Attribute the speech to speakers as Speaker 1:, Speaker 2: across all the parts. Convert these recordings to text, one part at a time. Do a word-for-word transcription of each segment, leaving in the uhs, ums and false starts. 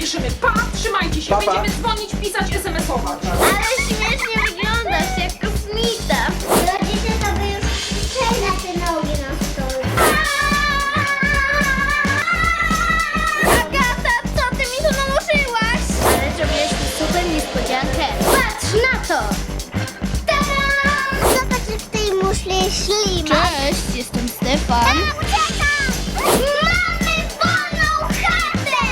Speaker 1: spieszymy. Pa, trzymajcie się,
Speaker 2: Pa, pa.
Speaker 1: będziemy dzwonić, pisać, es em es ować.
Speaker 3: Ale śmiesznie wyglądasz, jak kosmita. Rodzice to by już krzyczeli na te nogi na stole. Agata, co ty mi tu nałożyłaś? Ale zrobiłaś mi super niespodziankę. Patrz na to! Tadam! Zobacz, jak w tej muszli jest ślimak. Cześć, jestem Stefan. Uciekam! Mamy wolną chatę!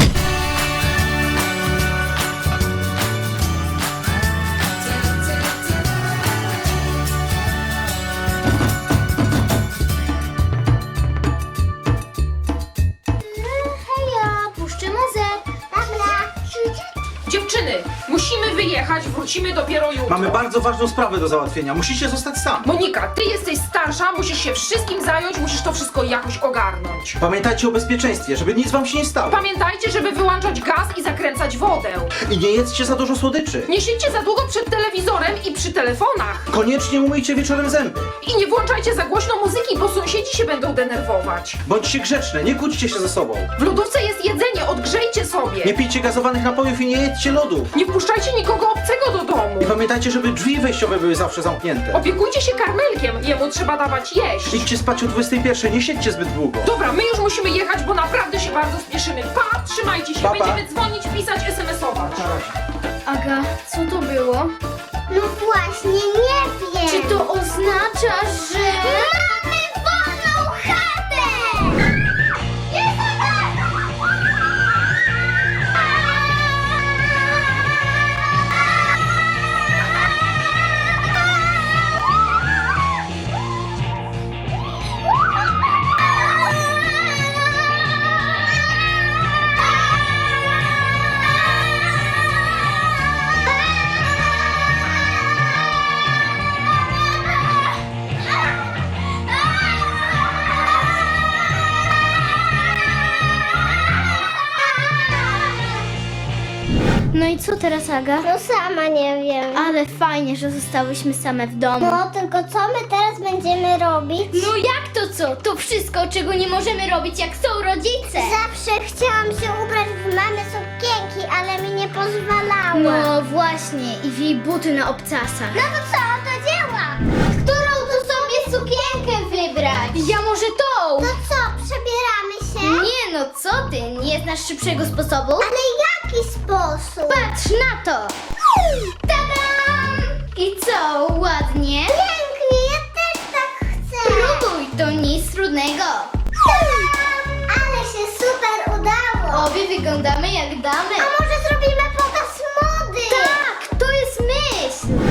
Speaker 3: Hejo, puszczę muzę. Dobra.
Speaker 1: Dziewczyny, musimy wyjechać, wrócimy dopiero jutro.
Speaker 2: Mamy bardzo ważną sprawę do załatwienia. Musicie zostać sam.
Speaker 1: Monika, ty jesteś starsza, musisz się wszystkim zająć, musisz to wszystko jakoś ogarnąć.
Speaker 2: Pamiętajcie o bezpieczeństwie, żeby nic wam się nie stało.
Speaker 1: Pamiętajcie, żeby wyłączać gaz i zakręcać wodę.
Speaker 2: I nie jedzcie za dużo słodyczy.
Speaker 1: Nie siedźcie za długo przed telewizorem i przy telefonach.
Speaker 2: Koniecznie umyjcie wieczorem zęby.
Speaker 1: I nie włączajcie za głośno muzyki, bo sąsiedzi się będą denerwować.
Speaker 2: Bądźcie grzeczne, nie kłóćcie się ze sobą.
Speaker 1: W lodówce jest jedzenie, odgrzejcie sobie.
Speaker 2: Nie pijcie gazowanych napojów i nie jedźcie lodów.
Speaker 1: Nie wpuszczajcie nikogo obcego do domu.
Speaker 2: I pamiętajcie, żeby drzwi wejściowe były zawsze zamknięte.
Speaker 1: Opiekujcie się karmelkiem, jemu trzeba dawać jeść.
Speaker 2: Idźcie spać o dwudziestej pierwszej, nie siedźcie zbyt długo.
Speaker 1: Dobra, my już musimy jechać, bo naprawdę się bardzo spieszymy. Pa, trzymajcie się,
Speaker 2: Pa, pa.
Speaker 1: będziemy dzwonić, pisać, es em es ować.
Speaker 3: Aga, co to było? No właśnie, nie wiem. Czy to oznacza, że... Mamy wolną chatę! No i co teraz, Aga? No sama nie wiem. Ale fajnie, że zostałyśmy same w domu. No, tylko co my teraz będziemy robić? No jak to co? To wszystko, czego nie możemy robić, jak są rodzice. Zawsze chciałam się ubrać w mamy sukienki, ale mi nie pozwalała. No właśnie, i w jej buty na obcasach. No to co, to dzieła? Którą tu sobie sukienkę wybrać? Ja może tą. To co, przebieramy się? Nie no, co ty? Nie znasz szybszego sposobu? Ale jaki sposób? Patrz na to! Tadam! I co, ładnie? Pięknie, ja też tak chcę! Próbuj, to nic trudnego! Tadam! Ale się super udało! Obie wyglądamy jak damy! A może zrobimy pokaz mody? Tak, to jest myśl!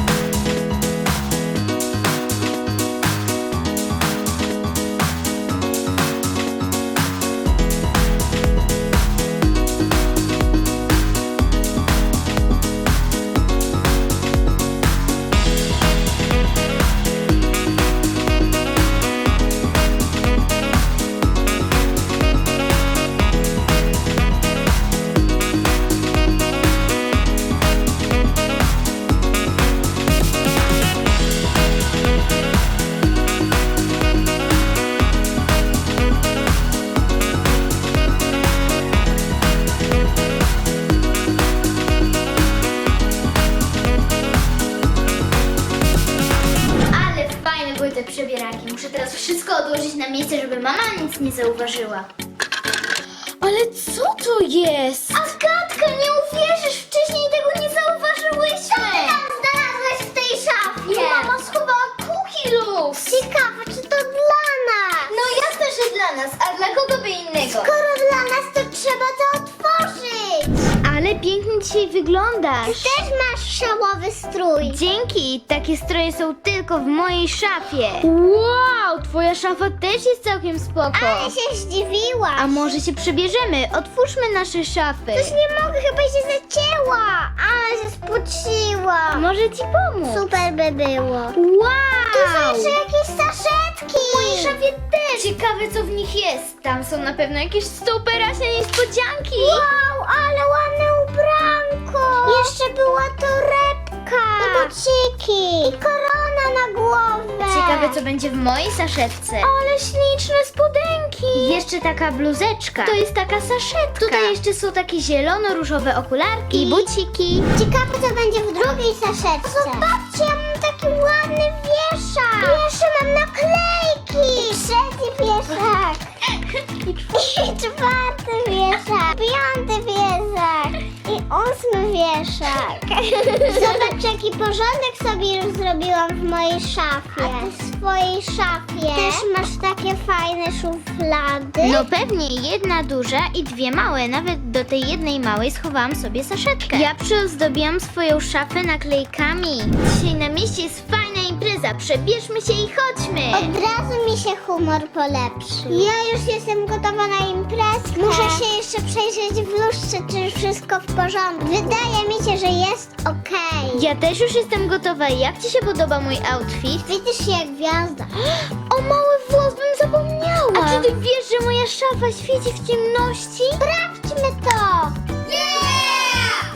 Speaker 3: Ale fajne były te przebieraki. Muszę teraz wszystko odłożyć na miejsce, żeby mama nic nie zauważyła. Ale co to jest? Agatka, nie uwierzysz, wcześniej tego nie zauważyłyśmy. Co ty tam znalazłeś w tej szafie? Mama schowała Cookie Loose. Ciekawe, czy to dla nas? No jasne, że dla nas, a dla kogo by innego? Skoro dla nas, to trzeba to otworzyć. Ale pięknie dzisiaj wyglądasz. Ty też masz szałowy strój. Dzięki, takie stroje są tylko w mojej szafie. Wow, twoja szafa też jest całkiem spoko. Ale się zdziwiłam. A może się przebierzemy? Otwórzmy nasze szafy. Coś nie mogę, chyba się zacięła. Ale się spociła. Może ci pomóc? Super by było. Wow. Tu są jeszcze jakieś saszetki. W mojej szafie też. Ciekawe, co w nich jest. Tam są na pewno jakieś superaśne niespodzianki. Wow, ale ładne ubranko. Jeszcze była torebka.
Speaker 4: saszetka. I buciki. I korona na głowę.
Speaker 3: Ciekawe, co będzie w mojej saszetce.
Speaker 4: Ale śliczne spodenki.
Speaker 3: I jeszcze taka bluzeczka. To jest taka saszetka. Tutaj jeszcze są takie zielono-różowe okularki i buciki.
Speaker 4: Ciekawe, co będzie w drugiej saszetce. Zobaczcie, ja mam taki ładny wieszak. I jeszcze mam naklejki. I trzeci wieszak. I czwarty wieszak. Piąty wieszak. I ósmy wieszak. Zobacz, jaki porządek sobie już zrobiłam w mojej szafie. A ty w swojej szafie też masz takie fajne szuflady?
Speaker 3: No pewnie jedna duża i dwie małe. Nawet do tej jednej małej schowałam sobie saszetkę. Ja przyozdobiłam swoją szafę naklejkami. Dzisiaj na mieście jest fajna impreza. Przebierzmy się i chodźmy.
Speaker 4: Od razu mi się humor polepszył. Ja już jestem gotowa na imprezkę. Muszę się jeszcze przejrzeć w lustrze, czy wszystko w porządku. Wydaje mi się, że jest okej.
Speaker 3: Ja też już jestem gotowa. Jak ci się podoba mój outfit?
Speaker 4: Widzisz się jak gwiazda.
Speaker 3: O mały włos, bym zapomniała. A czy ty wiesz, że moja szafa świeci w ciemności?
Speaker 4: Sprawdźmy to.
Speaker 3: Yeah!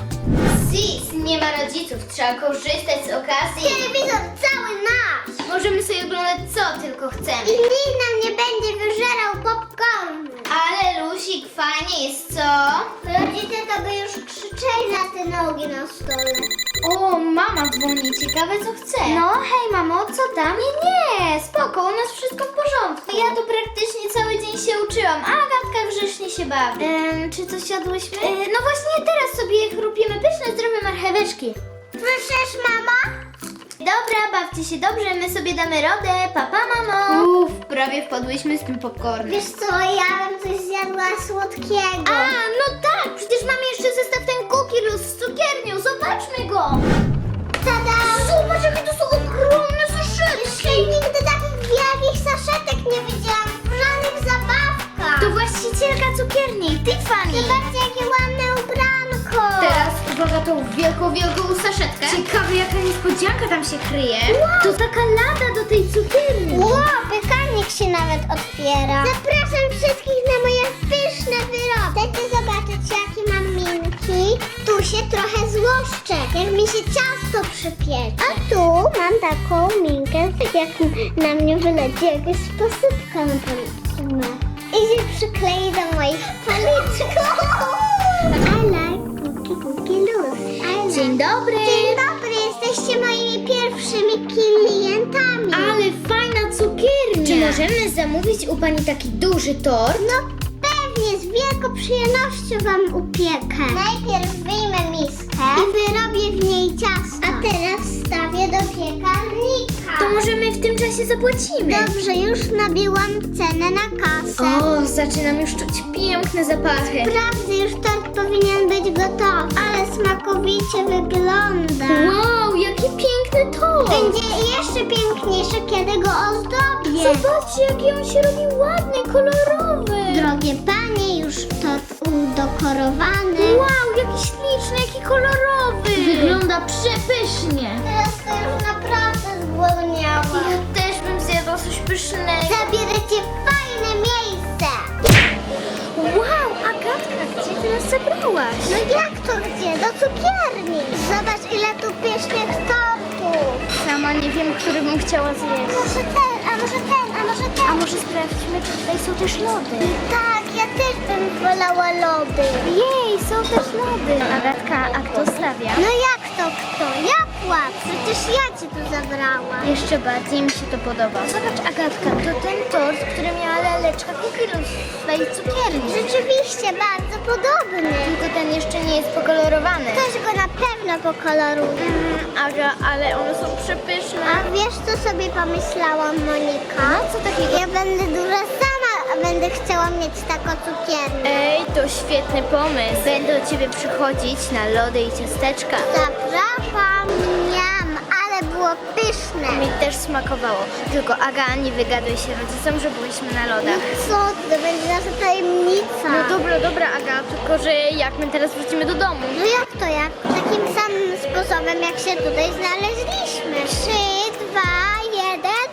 Speaker 3: Sis, nie ma rodziców. Trzeba korzystać z okazji.
Speaker 4: Telewizor cały nasz.
Speaker 3: Możemy sobie oglądać co tylko chcemy.
Speaker 4: I nikt nam nie będzie wyżerał popcornu.
Speaker 3: Ale Lusik, fajnie jest, co?
Speaker 4: Rodzice to by już krzyczeli na te nogi na stole.
Speaker 3: O, mama dzwoni, ciekawe co chce. No, hej mamo, co tam? Nie, nie, spoko, u nas wszystko w porządku. Ja tu praktycznie cały dzień się uczyłam, a Agatka grzecznie się bawi. Ehm, czy coś jadłyśmy? E, no właśnie teraz sobie chrupiemy pyszne, zdrowe marcheweczki.
Speaker 4: Słyszysz, mama?
Speaker 3: Dobra, bawcie się dobrze, my sobie damy radę, papa mamo. Uff, prawie wpadłyśmy z tym popcornem.
Speaker 4: Wiesz co, ja bym coś zjadła słodkiego.
Speaker 3: A, no tak, przecież mamy jeszcze zestaw ten Cookie Luz z cukiernią, zobaczmy go.
Speaker 4: Tada!
Speaker 3: Zobacz, jakie to są ogromne saszetki.
Speaker 4: Jeszcze nigdy takich wielkich saszetek nie widziałam w żadnych zabawkach.
Speaker 3: To właścicielka cukierni, Tiffany.
Speaker 4: Zobaczcie, jakie ładne ubranko.
Speaker 3: Teraz uwaga tą wielką, wielką saszetkę. Ciekawe, jaka niespodzianka tam się kryje. To taka lada do tej cukierni.
Speaker 4: Wow, piekarnik się nawet otwiera. Zapraszam wszystkich na moje pyszne wyroby. Chcecie zobaczyć, jakie mam minki? Tu się trochę złoszczę, jak mi się ciasto przypiecze. A tu mam taką minkę, jak na mnie wyleci jakaś posypka na policzkę. I się przyklei do moich policzków. I like cookie, cookie loose. I like.
Speaker 3: Dzień dobry.
Speaker 4: Dzień dobry, jesteście moimi pierwszymi klientami.
Speaker 3: Ale fajna cukiernia. Czy możemy zamówić u pani taki duży tort?
Speaker 4: No pewnie, z wielką przyjemnością wam upiekę. Najpierw wyjmę miskę i wyrobię w niej ciasto. A teraz wstawię do piekarnika.
Speaker 3: To możemy w tym czasie zapłacimy.
Speaker 4: Dobrze, już nabiłam cenę na kasę.
Speaker 3: O, zaczynam już czuć piękne zapachy.
Speaker 4: Wprawdzie już tort powinien być gotowy, ale smakowicie wygląda.
Speaker 3: Wow, jaki piękny tort.
Speaker 4: Będzie jeszcze piękniejszy, kiedy go ozdobię.
Speaker 3: Zobaczcie, jaki on się robi ładny, kolorowy.
Speaker 4: Drogie panie, już tort udekorowany.
Speaker 3: Wow, jaki śliczny, jaki kolorowy. Wygląda przepysznie.
Speaker 4: Teraz to już naprawdę zgłodniałam.
Speaker 3: Ja też bym zjadła coś pysznego.
Speaker 4: Zabierę cię w fajne miejsce.
Speaker 3: Wow, Agatka, gdzie ty nas zabrałaś?
Speaker 4: No jak to gdzie? Do cukierni. Zobacz, ile tu pysznych tortów.
Speaker 3: Sama nie wiem, który bym chciała zjeść.
Speaker 4: Może ten, a może ten, a może ten.
Speaker 3: A może sprawdźmy, czy tutaj są też lody?
Speaker 4: Tak, ja też bym wolała lody.
Speaker 3: Jej, są też lody. Agatka, a kto stawia?
Speaker 4: No jak to kto? Ja płacę. Przecież ja cię tu zabrałam.
Speaker 3: Jeszcze bardziej mi się to podoba. Zobacz, Agatka, to ten tort, który miała laleczka kukilu w swojej cukierni.
Speaker 4: Rzeczywiście bardzo podobny.
Speaker 3: Tylko ten jeszcze nie jest pokolorowany.
Speaker 4: Ktoś go na pewno pokoloruje.
Speaker 3: Mm, Aga, ale one są przepyszne.
Speaker 4: A wiesz, co sobie pomyślałam, Monika?
Speaker 3: No, co takiego?
Speaker 4: Ja będę duża sama, a będę chciała mieć taką cukiernię.
Speaker 3: Ej, to świetny pomysł. Będę do ciebie przychodzić na lody i ciasteczka.
Speaker 4: Zapraszam, miam, ale było pyszne.
Speaker 3: Mi też smakowało. Tylko Aga, nie wygaduj się rodzicom, że byliśmy na lodach.
Speaker 4: Co? To będzie nasza tajemnica.
Speaker 3: No dobra, dobra Aga, tylko że jak my teraz wrócimy do domu?
Speaker 4: No jak to jak? Takim samym sposobem, jak się tutaj znaleźliśmy. Trzy, dwa, jeden.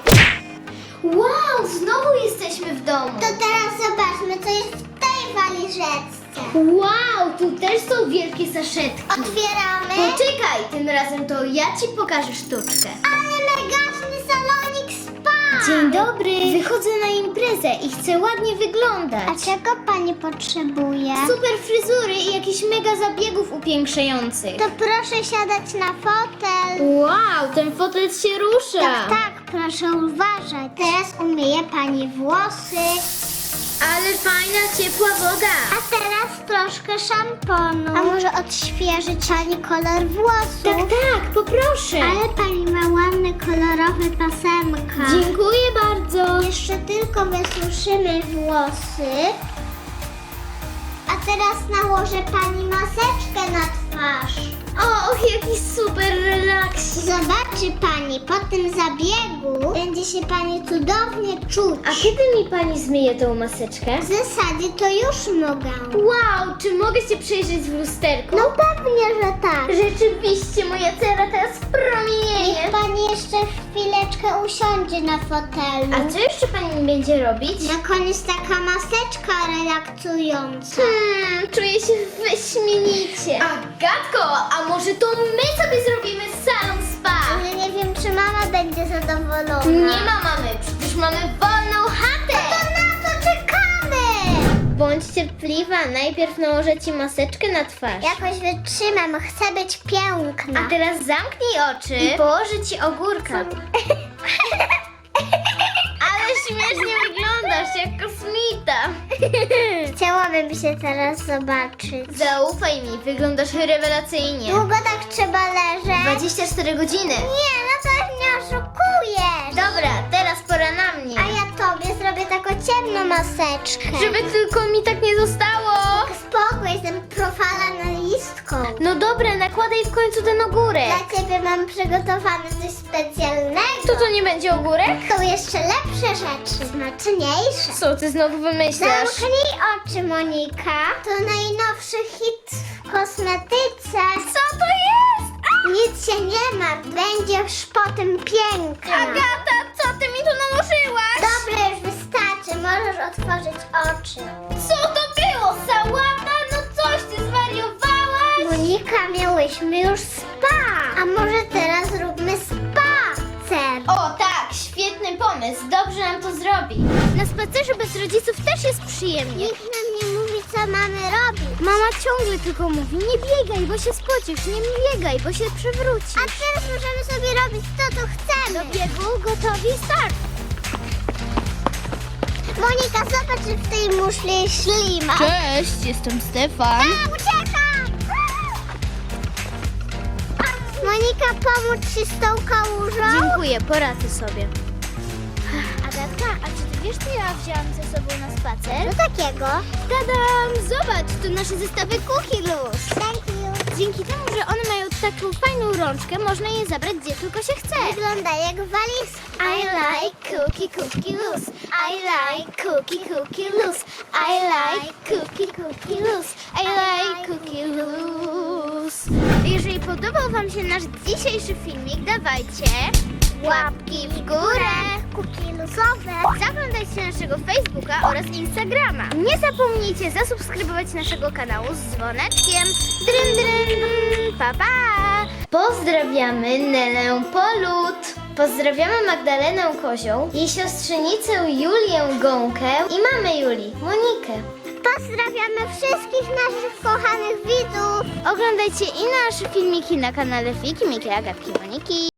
Speaker 3: Wow, znowu jesteśmy w domu.
Speaker 4: To teraz zobaczmy, co jest w tej walizeczce. chcę.
Speaker 3: Wow, tu też są wielkie saszetki.
Speaker 4: Otwieramy.
Speaker 3: Poczekaj, tym razem to ja ci pokażę sztuczkę.
Speaker 4: Ale megaczny salonik spa.
Speaker 3: Dzień dobry. Wychodzę na imprezę i chcę ładnie wyglądać.
Speaker 4: A czego pani potrzebuje?
Speaker 3: Super fryzury i jakichś mega zabiegów upiększających.
Speaker 4: To proszę siadać na fotel.
Speaker 3: Wow, ten fotel się rusza.
Speaker 4: Tak, tak, proszę uważać. Teraz umyję pani włosy.
Speaker 3: Ale fajna, ciepła woda.
Speaker 4: A teraz troszkę szamponu. A może odświeżyć pani kolor włosów?
Speaker 3: Tak, tak, poproszę.
Speaker 4: Ale pani ma ładne kolorowe pasemka.
Speaker 3: Dziękuję bardzo.
Speaker 4: Jeszcze tylko wysuszymy włosy. A teraz nałożę pani maseczkę na twarz.
Speaker 3: Och, jaki super relaks.
Speaker 4: Zobaczy pani, po tym zabiegu będzie się pani cudownie czuć.
Speaker 3: A kiedy mi pani zmyje tą maseczkę?
Speaker 4: W zasadzie to już mogę.
Speaker 3: Wow, czy mogę się przejrzeć w lusterku?
Speaker 4: No pewnie, że tak.
Speaker 3: Rzeczywiście, moja cera teraz promienieje.
Speaker 4: Niech pani jeszcze chwileczkę usiądzie na fotelu.
Speaker 3: A co jeszcze pani mi będzie robić?
Speaker 4: Na koniec taka maseczka relaksująca.
Speaker 3: Hmm, czuję się wyśmienicie. Agatko, a może to my sobie zrobimy salon spa?
Speaker 4: Ale nie wiem, czy mama będzie zadowolona.
Speaker 3: Nie ma mamy, przecież mamy wolną chatę.
Speaker 4: To na co czekamy?
Speaker 3: Bądź cierpliwa, najpierw nałożę ci maseczkę na twarz.
Speaker 4: Jakoś wytrzymam, chcę być piękna.
Speaker 3: A teraz zamknij oczy i położę ci ogórka. Ale śmiesznie wyglądasz, jak kosmita.
Speaker 4: Chciałabym się teraz zobaczyć.
Speaker 3: Zaufaj mi, wyglądasz rewelacyjnie.
Speaker 4: Długo tak trzeba leżeć?
Speaker 3: dwadzieścia cztery godziny.
Speaker 4: Nie, no to mnie oszukujesz.
Speaker 3: Dobra, teraz pora na mnie.
Speaker 4: A ja tobie zrobię taką ciemną maseczkę.
Speaker 3: Żeby tylko mi tak nie zostało.
Speaker 4: Spokój, jestem profalanalistką.
Speaker 3: No dobra, nakładaj w końcu ten ogórek.
Speaker 4: Dla ciebie mam przygotowane coś specjalnego.
Speaker 3: To to nie będzie ogórek?
Speaker 4: Są jeszcze lepsze rzeczy, smaczniejsze.
Speaker 3: Co ty znowu wymyślasz?
Speaker 4: Zamknij oczy, Monika. To najnowszy hit w kosmetyce.
Speaker 3: Co to jest?
Speaker 4: Nic się nie ma, będziesz potem piękna.
Speaker 3: Agata, co ty mi tu nałożyłaś?
Speaker 4: Dobra, już wystarczy, możesz otworzyć oczy.
Speaker 3: Co to było? Sałata? No coś ty zwariowałaś?
Speaker 4: Monika, miałyśmy już spa. A może teraz zróbmy spacer?
Speaker 3: O tak, świetny pomysł, dobrze nam to zrobi. Na spacerze bez rodziców też jest przyjemnie.
Speaker 4: Nikt nam nie mówi, co mamy robić.
Speaker 3: Mama ciągle tylko mówi, nie biegaj, bo się spocisz, nie biegaj, bo się przewrócisz.
Speaker 4: A teraz możemy sobie robić to, co chcemy.
Speaker 3: Do biegu, gotowi, start!
Speaker 4: Monika, zobacz, że w tej muszli jest ślima.
Speaker 3: Cześć, jestem Stefan.
Speaker 4: A, uciekam! Monika, pomóc ci z tą kałużą?
Speaker 3: Dziękuję, poradzę sobie.
Speaker 4: Agatka,
Speaker 3: A czy ty wiesz, co ja wzięłam ze sobą na spacer?
Speaker 4: co takiego?
Speaker 3: Tadam! Zobacz, to nasze zestawy Cookie Loose.
Speaker 4: Thank you.
Speaker 3: Dzięki temu, że one mają taką fajną rączkę, można je zabrać gdzie tylko się chce.
Speaker 4: Wygląda jak walizka.
Speaker 3: I like cookie cookie loose. I like cookie cookie loose. I like cookie cookie loose. I like cookie loose. Jeżeli podobał wam się nasz dzisiejszy filmik, dawajcie łapki w górę.
Speaker 4: Kuki luzowe.
Speaker 3: Zaglądajcie naszego Facebooka oraz Instagrama. Nie zapomnijcie zasubskrybować naszego kanału z dzwoneczkiem. Dryn, dryn. Pa, pa. Pozdrawiamy Nelę Polut. Pozdrawiamy Magdalenę Kozią, jej siostrzenicę Julię Gąkę i mamę Julii, Monikę.
Speaker 4: Pozdrawiamy wszystkich naszych kochanych widzów.
Speaker 3: Oglądajcie i nasze filmiki na kanale Fiki, Miki, Agatki, Moniki.